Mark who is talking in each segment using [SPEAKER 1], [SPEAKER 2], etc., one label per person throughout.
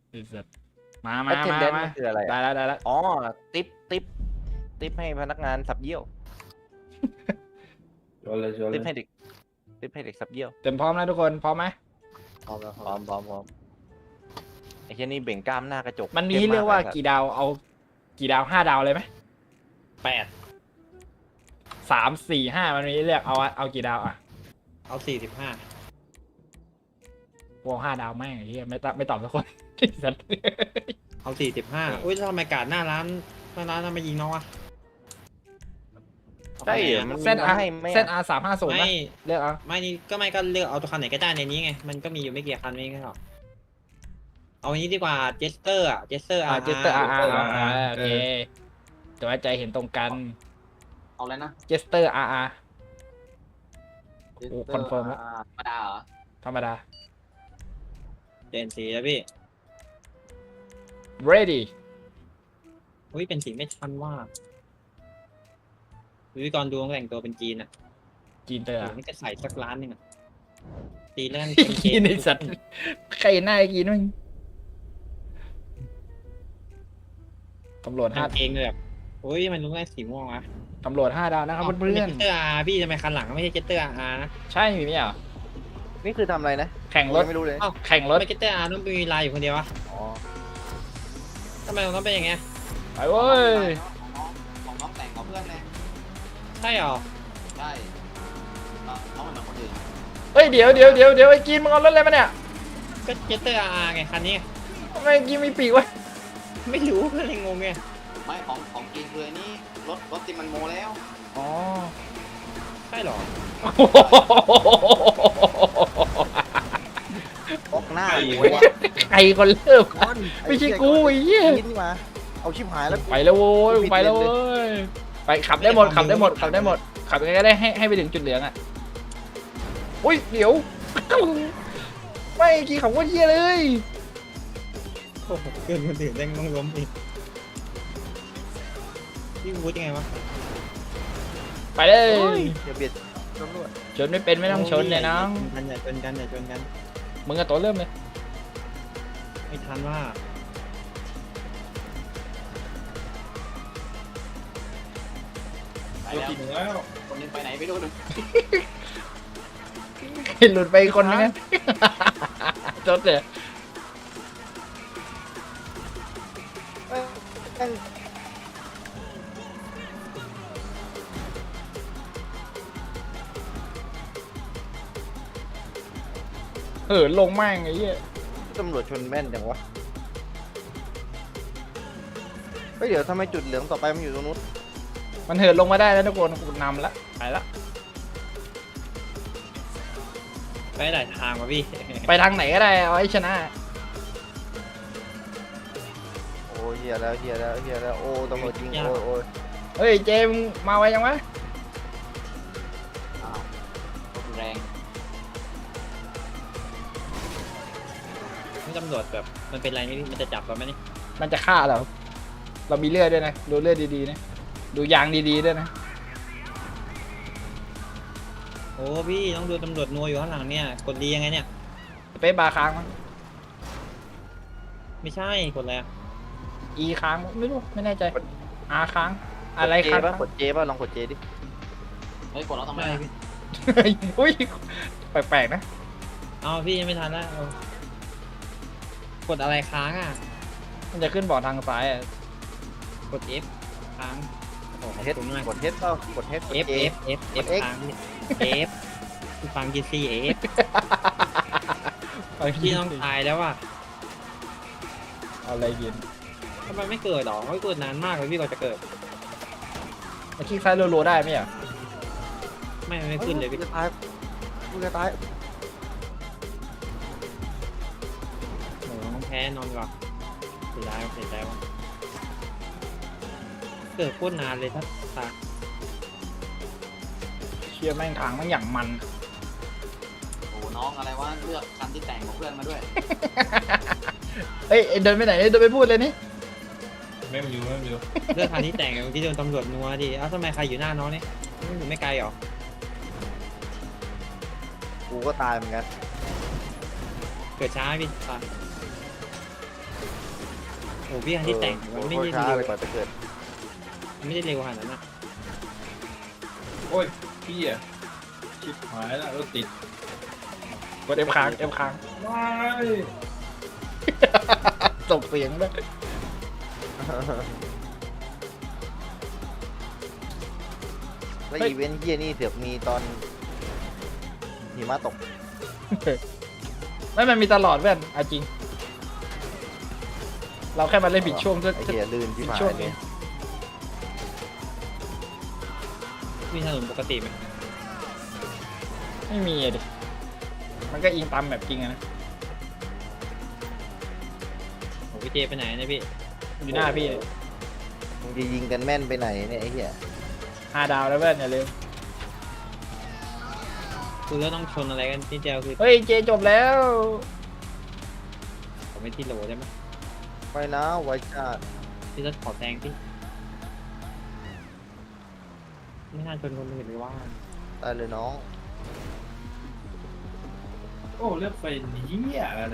[SPEAKER 1] ไอ้สัสมา
[SPEAKER 2] attendance คืออะไร
[SPEAKER 1] ได้แล้ว
[SPEAKER 2] อ๋อติ๊บให้พนักงานสับเยี่ยว
[SPEAKER 3] ชวนเลย
[SPEAKER 2] ติ๊บให้เด็กสับเยี่ยว
[SPEAKER 1] เต็มพร้อมแล้วทุกคนพร้อมไหม
[SPEAKER 3] พร้อมแล้ว
[SPEAKER 2] พร้อมไอ้เช่นนี่เบ่งกล้ามหน้ากระจก
[SPEAKER 1] มันมีให้เลือกว่ากี่ดาวเอากี่ดาว5 ดาวเลยไหม
[SPEAKER 3] 8
[SPEAKER 1] 3 4 5มันมีให้เลือกเอากี่ดาวอ่ะ
[SPEAKER 3] เอา45
[SPEAKER 1] พวก5 ดาวแม่งไอ้เหี้ยไม่ตอบสักคน ไอ้สัส
[SPEAKER 3] เอา45อุ้ยทำไมกาดหน้าร้านทำไมยิงน้องวะ
[SPEAKER 2] ใช่เหรอมัน
[SPEAKER 1] เส้น
[SPEAKER 2] มีมาให้ไหม
[SPEAKER 1] เส้น R350
[SPEAKER 3] ไม่
[SPEAKER 1] นะเลือกเอา
[SPEAKER 3] ไม่ก็เลือกเอาตัวคันไหนก็ได้ในนี้ไงมันก็มีอยู่ไม่กี่คันไม่ใช่หรอเอาอันนี้ดีกว่าเจสเตอร์เจสเตอร์
[SPEAKER 1] เจสเตอร์โอเคแต่ว่าใจเห็นตรงกัน
[SPEAKER 4] เอาแล้วนะ
[SPEAKER 1] เจสเตอร์ โอ้คอนเฟิร์มแล้ว
[SPEAKER 4] ธรรมดาเหรอ
[SPEAKER 1] ธรรมดา
[SPEAKER 3] เจนสีแล้วพี่
[SPEAKER 1] ready
[SPEAKER 3] อุ้ยเป็นสีไม่ทันว่าวิกรดูแต่งตัวเป็นจีนอ่ะ
[SPEAKER 1] จีนเตอร์
[SPEAKER 3] นี่ก็ใส่สักล้านนึงอ่ะตีเล่น
[SPEAKER 1] กินไอสัตว์ใครหน้ากินมึงตำรวจ
[SPEAKER 3] ทำเองเลยแบบโอ้ยมันรู้ได้สีม่วงวะ
[SPEAKER 1] 5 ตำรวจ5 ดาวนะครับเพื่อน
[SPEAKER 3] เจสเตอร์อาร์พี่ทำไมคันหลังไม่ใช่เจสเตอร์อาร์นะ
[SPEAKER 1] ๆใช่มีไหมอ่ะ
[SPEAKER 2] นี่คือทำอะไรนะ
[SPEAKER 1] แข่งรถ
[SPEAKER 2] ไม่รู้เลย
[SPEAKER 1] แข่งรถ
[SPEAKER 3] ไม่เจสเตอร์อาร์ต้องมีลายอยู่คนเดียววะ
[SPEAKER 2] อ๋อ
[SPEAKER 3] ทำไมต้องเป็นอย่างเงี้ย
[SPEAKER 1] ไปเว้ย
[SPEAKER 4] ของน้องแต่งกับเพื่อนเลย
[SPEAKER 3] ใช่หรอ
[SPEAKER 4] ใช่น้องเป็นเหมือนคนอื่น
[SPEAKER 1] เฮ้ยเดี๋ยวไอ้กินมึงเอารถอะไรมาเนี่ย
[SPEAKER 3] ก็เจสเตอร์อาร์ไงคันนี้
[SPEAKER 1] ทำไมกินมีปีกวะ
[SPEAKER 3] ไม่รู้ก็เลยงงไง
[SPEAKER 4] ไม่ของกินคืออันนี้รถที่มันโมแล้ว
[SPEAKER 1] อ๋อ
[SPEAKER 3] ใช่หรอ
[SPEAKER 2] ออกหน้าหมูวะ
[SPEAKER 1] ใครคนเริ่มไม่ใช่กูไอ้เหี้ย
[SPEAKER 2] นี่มาเอาชิบหายแล้ว
[SPEAKER 1] ไปแล้วโว้ยไปแล้วเว้ยไปขับได้หมดขับยังไงก็ได้ให้ไปถึงจุดเหลืองอ่ะอุ้ยเดี๋ยวไม่กี่ขับว่าเหี้ยเลย
[SPEAKER 3] โอ้โหเกินคนอื่นแดงต้องล้มอีกพี่วูดยังไงวะ
[SPEAKER 1] ไปเลย
[SPEAKER 2] อย่าเบียดตำรวจ
[SPEAKER 1] ชนไม่เป็นไม่ต้องชนเลยน้อง
[SPEAKER 3] อย่าชนกันอย่าชนกัน
[SPEAKER 1] มึงกับตัวเริ่มเลย
[SPEAKER 3] ไม่ทันว่า
[SPEAKER 4] ไปแล้วคนนึงไปไหนไม่รู้นึง
[SPEAKER 1] หลุดไปคนนึงนะจดเลยลงแม่งไอ้เหี้ย
[SPEAKER 2] ตำรวจชนแม่นจังวะเฮ้ยเดี๋ยวทำไมจุดเหลืองต่อไปมันอยู่ตรงนู้น
[SPEAKER 1] มันเหินลงมาได้แล้วทุกคนกูนำละไปละ
[SPEAKER 3] ไปหลายทางว่ะพี่
[SPEAKER 1] ไปทางไหนก็ได้เอาให้ชนะ
[SPEAKER 2] โอ้เฮียแล้วโอ้ตำรวจยิงโอ้ย
[SPEAKER 1] เฮ้ยเจมมาไวยังวะ
[SPEAKER 4] อ้าวรถแรง
[SPEAKER 3] นี่ตำรวจแบบมันเป็นไรนี่มันจะจับเราไหมนี่
[SPEAKER 1] มันจะฆ่าเรามีเลือดด้วยนะดูเลือดดีๆนะดูยางดีๆด้วยนะ
[SPEAKER 3] โอ้พี่ต้องดูตำรวจนัวอยู่ข้างหลังเนี่ยกดดียังไงเนี่ย
[SPEAKER 1] สเปซบาร์ค้างมั้ง
[SPEAKER 3] ไม่ใช่กดอะไร
[SPEAKER 1] E ค้างมั้งไม่รู้ไม่แน่ใจ R ค้างอะไร
[SPEAKER 2] เจ
[SPEAKER 1] ค้าง
[SPEAKER 2] ป่ะกดเจป่ะลองกดเจดิ
[SPEAKER 4] เฮ้ยกดแล้วทำไม
[SPEAKER 3] ไม่พี่
[SPEAKER 1] อุ้ยแปลกๆนะ
[SPEAKER 3] เอาพี่ยังไม่ทันแล้วกดอะไรค้างอ่ะ
[SPEAKER 1] มันจะขึ้นบอร์ดทางซ้ายอ่ะ
[SPEAKER 3] กด F ค้างโอ้โห
[SPEAKER 2] เฮด
[SPEAKER 3] ขอบคุณมาก
[SPEAKER 2] กดเฮดเปล่ากดเฮด
[SPEAKER 3] F F F F ค้างพี่ F คือฟังกีซี F พี่ต้องตายแล้วอ่ะ
[SPEAKER 1] เอาอะไรกิน
[SPEAKER 3] ทำไมไม่เกิดหรอไม่เกิดนานมากเลยพี่กว่าจะเกิด
[SPEAKER 1] มาคลิกซ้ายรัวๆได้ไหมอ่ะ
[SPEAKER 3] ไม่ขึ้นเลยพี่
[SPEAKER 2] จะตายกูจะตาย
[SPEAKER 3] โอ้น้องแพ้นอนก่อนเสียดายว่ะเกิดโคตรนานเลยถ้าตาย
[SPEAKER 1] เชียร์แม่งทางแม่งอย่างมัน
[SPEAKER 4] โอ้น้องอะไรวะเลือกคันที่แต่งของเพื่อนมาด้วย
[SPEAKER 1] เฮ้ยเดินไปไหนเดินไปพูดเลยนี่
[SPEAKER 3] ไม่รู้เรื่องทางที่แต่งที่โดนตำรวจนัวดิเอ้าทำไมใครอยู่หน้าน้องนี่ไม่อยู่ไม่ไกลหรอ
[SPEAKER 2] กูก็ตายเหมือนกัน
[SPEAKER 3] เกิดช้าพี่ตายโอ้พี่คันที่แต่งมันไม่ได้
[SPEAKER 2] ช้า
[SPEAKER 3] เร็ว
[SPEAKER 2] เลยกว่าจะเกิด
[SPEAKER 3] ไม่ได้เร็วขนาดนั้นนะ
[SPEAKER 5] โอ้ยพี่อ่ะชิบหายแล้วรถติด
[SPEAKER 1] กดเอฟค้างเอฟค้าง
[SPEAKER 5] ไม่
[SPEAKER 1] ส่งเสียงด้วย
[SPEAKER 2] แล้วอีเวนต์เฮียนี่เสือกมีตอนหิมะตก
[SPEAKER 1] ไม่มันมีตลอดเพื่อนเอาจริง เราแค่มาเล่นผิดช่วง
[SPEAKER 2] ไอ้เฮียลื่นที่ผ่าน
[SPEAKER 1] ช่วง
[SPEAKER 2] เล
[SPEAKER 1] นี้
[SPEAKER 2] ย
[SPEAKER 3] มีถนนปกติไหม
[SPEAKER 1] ไม่มีอะดิมันก็อิงตามแบบจริงอะนะ
[SPEAKER 3] โอ้พี่เจไปไหนเนี่ยพี่
[SPEAKER 1] อยู่หน้าพี่เลย
[SPEAKER 2] มึงจะยิงกันแม่นไปไหนเนี่ยไอ้เฮีย
[SPEAKER 1] 5 ดาวแล้วเพื่อนอย่าลืม
[SPEAKER 3] คือแล้วต้องชนอะไรกันที่เดียวคือ
[SPEAKER 1] เฮ้ยเจจบแล้ว
[SPEAKER 3] ผมไม่ที่โหลได้ไหม
[SPEAKER 2] ไปนะไว้ชาติ
[SPEAKER 3] พี่รถขอแซงพี่ไม่น่าชนคนอื่นเลยว่า
[SPEAKER 2] ตายเลยน้อง
[SPEAKER 5] โอ้เลือกไฟนี้อะไร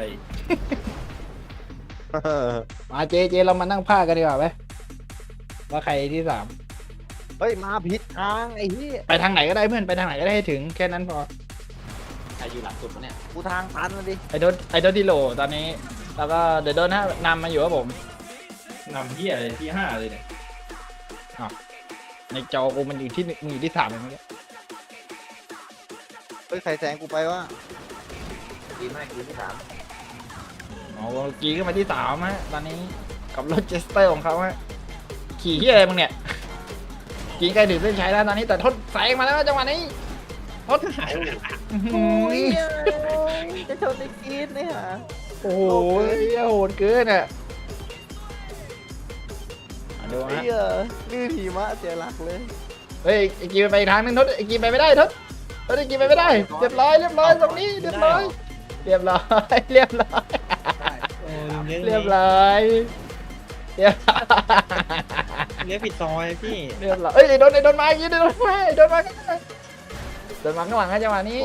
[SPEAKER 1] มาเจเรามานั่งพากันดีกว่าไหมว่าใครที่
[SPEAKER 2] เฮ้ยมาผิดทางไอ้เฮีย
[SPEAKER 1] 3ไปทางไหนก็ได้เพื่อนไปทางไหนก็ได้ให้ถึงแค่นั้นพอ
[SPEAKER 4] ใครอยู่หลังสุดวะเนี่ย
[SPEAKER 2] กูทางตันมาดิ
[SPEAKER 1] ไอโดนที่โหลตอนนี้ แล้วก็เดี๋ยวโดนนะนำมาอยู่ครับผม
[SPEAKER 5] นำที่อะไรที่ 5เลยเนี่ย
[SPEAKER 1] ในจอกูมันอยู่ที่มึงอยู่ที่ 3เลยเมื่อกี้
[SPEAKER 2] เฮ้ยใครแซงกูไปวะดีมากดีที่ 3
[SPEAKER 1] อ๋อกีขึ้นมาที่3ฮะตอนนี้กับรถเจสเตอร์ของเขาฮะขี่ที่อะไรมึงเนี่ยกีใกล้ถึงเส้นชัยแล้วตอนนี้แต่ทดแซงมาแล้วจังหวะนี้ทด
[SPEAKER 2] โอ้ยจะชนไอ้กีดเนี่ย
[SPEAKER 1] โอ้โหโหดเกินอ่ะดู
[SPEAKER 2] ไอ้
[SPEAKER 1] ฮะ
[SPEAKER 2] เหี้ยลื่นหิมะเสียหลักเลย
[SPEAKER 1] เฮ้ยไอ้กีไปอีกทางนึงทดไอ้กีไปไม่ได้ทดไอ้กีไปไม่ได้เรียบร้อยตรงนี้เรียบร้อย
[SPEAKER 3] โอ้ลืมเรื่อง
[SPEAKER 1] เรียบร้อยเรียบร้อย
[SPEAKER 3] เลี้ยวผิดซอยพี่
[SPEAKER 1] เรียบร้อยเอ้ยโดนมาอย่างงี้โดนมาข้างหลังนะจังหวะนี้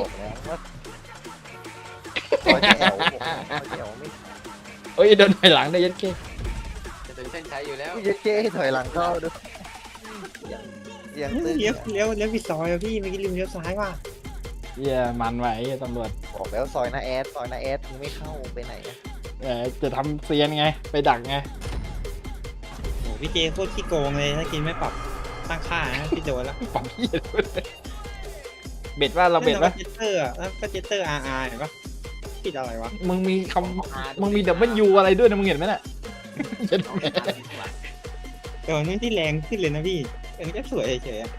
[SPEAKER 2] บอกแล้วว่าซอยจะแอวไม่
[SPEAKER 1] เอ้ยโดนถอยหลังได้ยัดเก้
[SPEAKER 4] จะถึงเส้นชัยอยู่แล้ว
[SPEAKER 2] กูจะเจ๊ให้ถอยหลังเข้าดูเสียงตึ้ง
[SPEAKER 3] เลี้ยวผิดซอยอะพี่เมื่อกี้ลืมเลี้ยวซ้ายว่ะ
[SPEAKER 1] เหี้ยมันไว้ตำรวจ
[SPEAKER 2] บอกแล้วซอยนาแอดมึงไม่เข้าไปไหนอะ
[SPEAKER 1] จะทำเซียนไงไปดักไง
[SPEAKER 3] โอ้พี่เจโคตรขี้โกงเลยถ้ากินไม่ปรับตั้งค่านะพี่โดนแล้ว
[SPEAKER 1] ปั๊มเหี้ยเลยเบ็ดว่าเราเบ็ดปะ
[SPEAKER 3] เจสเตอร์อะแล้วก็เจสเตอร์อาร์เห็นปะผิดอะไรวะ
[SPEAKER 1] มึงมีมึงมีดับเบิลยูอะไรด้วยนะมึงเห็นไหมน่ะ
[SPEAKER 3] แต่มันไม่ที่แรงขึ้นเลยนะพี่เออจะสวยเฉยๆอะ